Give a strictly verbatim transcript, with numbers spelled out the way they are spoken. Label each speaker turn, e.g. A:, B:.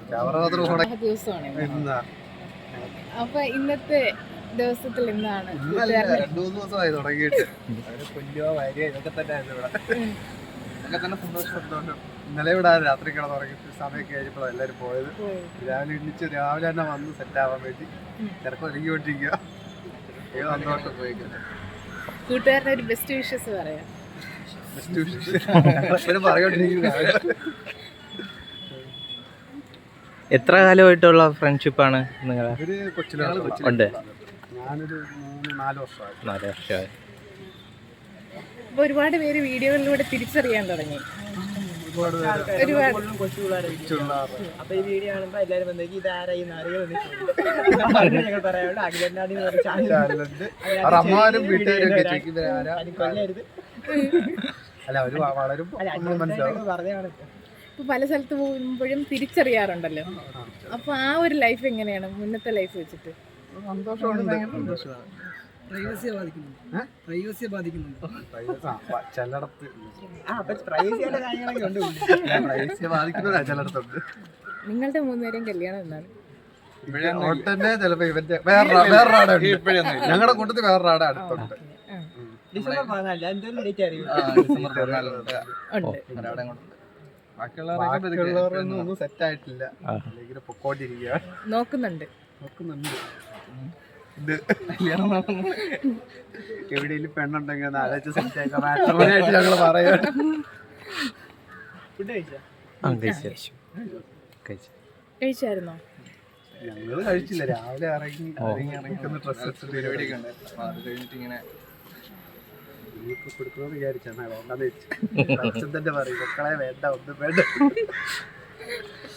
A: ദിവസമാണ്. അപ്പൊ ഇന്നത്തെ ദിവസത്തിൽ എന്താണ്
B: രണ്ടു മൂന്ന് ദിവസമായി തുടങ്ങിയിട്ട് കൊല്ലുക വരിക ഇതൊക്കെ തന്നെ ആയിരുന്നു ഇവിടെ. ഇതൊക്കെ തന്നെ സന്തോഷം സന്തോഷം. ഇന്നലെ ഇവിടെ രാത്രി കിടന്ന് തുടങ്ങിയിട്ട് സമയമൊക്കെ കഴിഞ്ഞപ്പോഴാണ് എല്ലാവരും പോയത്. രാവിലെ എണ്ണിച്ച് രാവിലെ തന്നെ വന്ന് സെറ്റ് ആവാൻ വേണ്ടി ചിലപ്പോൾ ഒരുങ്ങിക്കൊണ്ടിരിക്കുക. ഏത് സന്തോഷം പോയിക്കുന്നത്.
A: കൂട്ടുകാരുടെ ഒരു ബെസ്റ്റ് വിഷസ് പറയാം.
B: ബെസ്റ്റ് വിഷസ് പറയോണ്ടിരിക്കുക.
C: എത്ര കാലമായിട്ടുള്ള ഫ്രണ്ട്ഷിപ്പാണ് നിങ്ങളെ?
B: ഒരു കൊച്ചിലാണ്
C: ഉണ്ട്.
B: ഞാനൊരു മൂന്ന് നാല് വർഷമായി.
C: നാല് വർഷമായി.
A: ഇപ്പൊ ഒരുപാട് പേര് വീഡിയോകളിലൂടെ തിരിച്ചറിയാൻ തുടങ്ങി.
B: ഒരുപാട്
A: ഒരുപാട്
D: അപ്പൊ ഈ വീഡിയോ കാണുമ്പോ എല്ലാരും വന്നേക്ക് ഇത് ആരായി ഞങ്ങൾ പറയാനുണ്ട്.
B: അമ്മമാരും വീട്ടുകാരും ഒക്കെ ചോദിക്കും അല്ല അവര് വളരും
D: പറഞ്ഞാണ്.
A: ഇപ്പൊ പല സ്ഥലത്ത് പോകുമ്പോഴും തിരിച്ചറിയാറുണ്ടല്ലോ. അപ്പൊ ആ ഒരു ലൈഫ് എങ്ങനെയാണ് മുന്നത്തെ ലൈഫ് വെച്ചിട്ട്?
B: സന്തോഷമുണ്ട്. ചിലടത്ത് ചിലടത്തുണ്ട്.
A: നിങ്ങളുടെ മൂന്നുപേരെയും കല്യാണം എന്നാണ്?
B: തന്നെ ചിലപ്പോ ഇവന്റെ വേറെ വേറൊരാടെ ഞങ്ങളുടെ കൂട്ടത്തിൽ വേറൊരാടെ അടുത്തുണ്ട്.
D: ഡിസംബർ പതിനാല് എന്തെങ്കിലും ഡേറ്റ് അറിയും.
B: ബാക്കിയുള്ളവരൊന്നും ഒന്നും സെറ്റ് ആയിട്ടില്ല. അല്ലെങ്കിൽ പൊക്കോണ്ടിരിക്കുക.
A: നോക്കുന്നുണ്ട്
B: നോക്കുന്നുണ്ട് ഇത് എവിടെയെങ്കിലും പെണ്ണുണ്ടെങ്കിൽ ഒന്ന് ആലോചിച്ച് സെറ്റ് ആക്കാം. മാട്രിമോണിയായിട്ട് ഞങ്ങൾ പറയാം.
D: ഫുഡ് കഴിച്ചാ?
A: കഴിച്ചായിരുന്നോ?
B: ഞങ്ങള് കഴിച്ചില്ല. രാവിലെ ഇറങ്ങി ഇറങ്ങി ഇറങ്ങിക്കുന്ന ഡ്രസ് എടുത്തിട്ട് പരിപാടിയൊക്കെ ഉണ്ടായിരുന്നു. അത് കഴിഞ്ഞിട്ട് ഇങ്ങനെ കൊടുക്കണമെന്ന് വിചാരിച്ചാ വേണ്ടെന്ന് വെച്ചു. അച്ഛൻ തന്നെ പറയും മക്കളെ വേണ്ട ഒന്നും വേണ്ട.